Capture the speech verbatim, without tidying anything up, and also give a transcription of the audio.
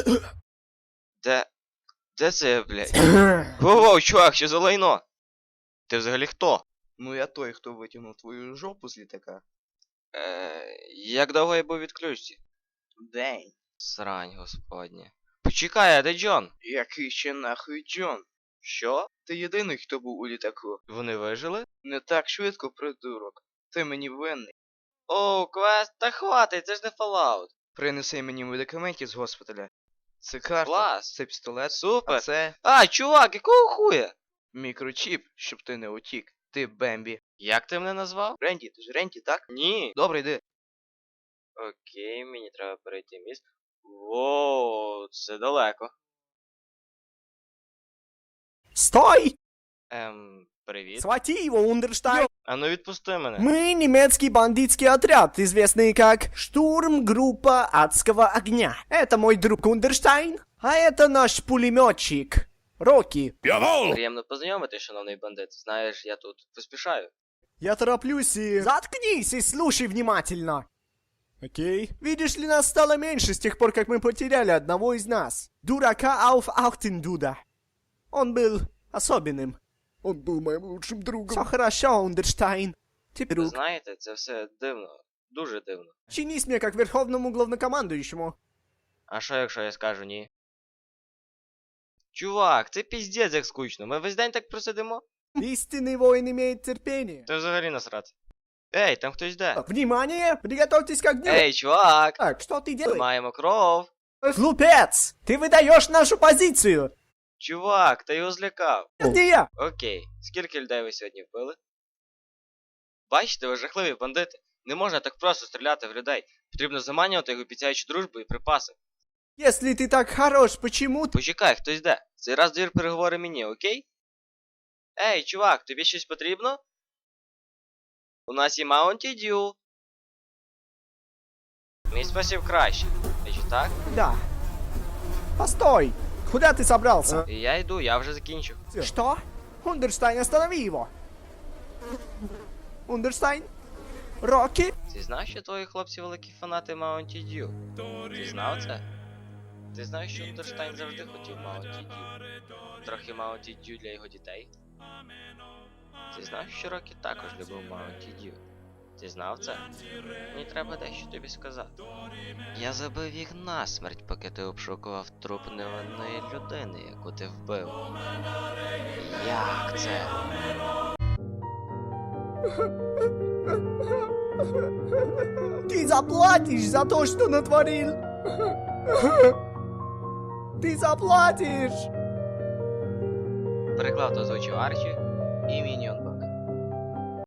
Де... Де це я, блядь? Воу-воу, чувак, що за лайно? Ти взагалі хто? Ну я той, хто витягнув твою жопу з літака. Е, як довго я був в відключці? День. Срань, господня. Почекай, а де Джон? Який ще нахуй Джон? Що? Ти єдиний, хто був у літаку. Вони вижили? Не так швидко, придурок. Ти мені винний. Оу, квест, та хватить, це ж не Fallout. Принеси мені медикаментів з госпіталя. Це карта, Клас. це пістолет, Супер. а це А, чувак, якого хуя? мікрочіп, щоб ти не утік. Ти Бембі. Як ти мене назвав? Ренді, ти ж Ренді, так? Ні. Добре, йди. Окей, мені треба перейти міст. Воу, це далеко. Стой! Ем, привіт. Схвати его, Ундерштайн! А ну відпусти мене. Мы немецкий бандитский отряд, известный как Штурмгруппа Адского Огня. Это мой друг Ундерштайн, а это наш пулеметчик Рокки. Приємно познайомити, шановний бандит. Знаєш, я тут поспішаю. Я тороплюсь и... Заткнись и слушай внимательно. Окей. Видишь ли, нас стало меньше с тех пор, как мы потеряли одного из нас. Дурака Ауф Ахтендуда. Он был особенным. Он был моим лучшим другом. Все хорошо, Ундерштайн. Ты Ви друг. знаєте, це все дивно. Дуже дивно. Чинись мне как верховному главнокомандующему. А що, якщо я скажу ні? Чувак, це піздець як скучно. Ми весь день так просидимо? Истинный воин имеет терпение. Це взагалі насрати. Ей, там хтось йде. Внимание! Приготовьтесь к огню! Ей, чувак! Так, что ты делаешь? Маємо кров. Глупец! Ты выдаешь нашу позицию! Чувак, ти його злякав. Это не я! Окей, скільки людей ви сьогодні вбили? Бачите, ви жахливі бандити. Не можна так просто стріляти в людей. Потрібно заманювати їх, обіцяючи дружбу і припаси. Если ты так хорош, почему ты... Почекай, хтось йде. Цей раз двір переговори мені, окей? Ей, чувак, тобі щось потрібно? У нас є Mountain Dew. Мій спосіб краще. Чи так? Да. Постой! Куда ты собрался? І я йду, я вже закінчу. Что? Ундерштайн, останови его! Ундерштайн? Рокки? Ти знав, що твої хлопці великі фанати Mountain Dew? Ти знав це? Ти знаєш, що Ундерштайн завжди хотів Mountain Dew? Трохи Mountain Dew для його дітей? Ти знав, що Роккі також любив Mountain Dew? Ти знав це? Мені треба дещо тобі сказати. Я забив їх насмерть, поки ти обшукував труп невинної людини, яку ти вбив. Як це? Ты заплатишь за то, что натворил! Ты заплатишь! Переклав та озвучив Арчі і Міньйон Б.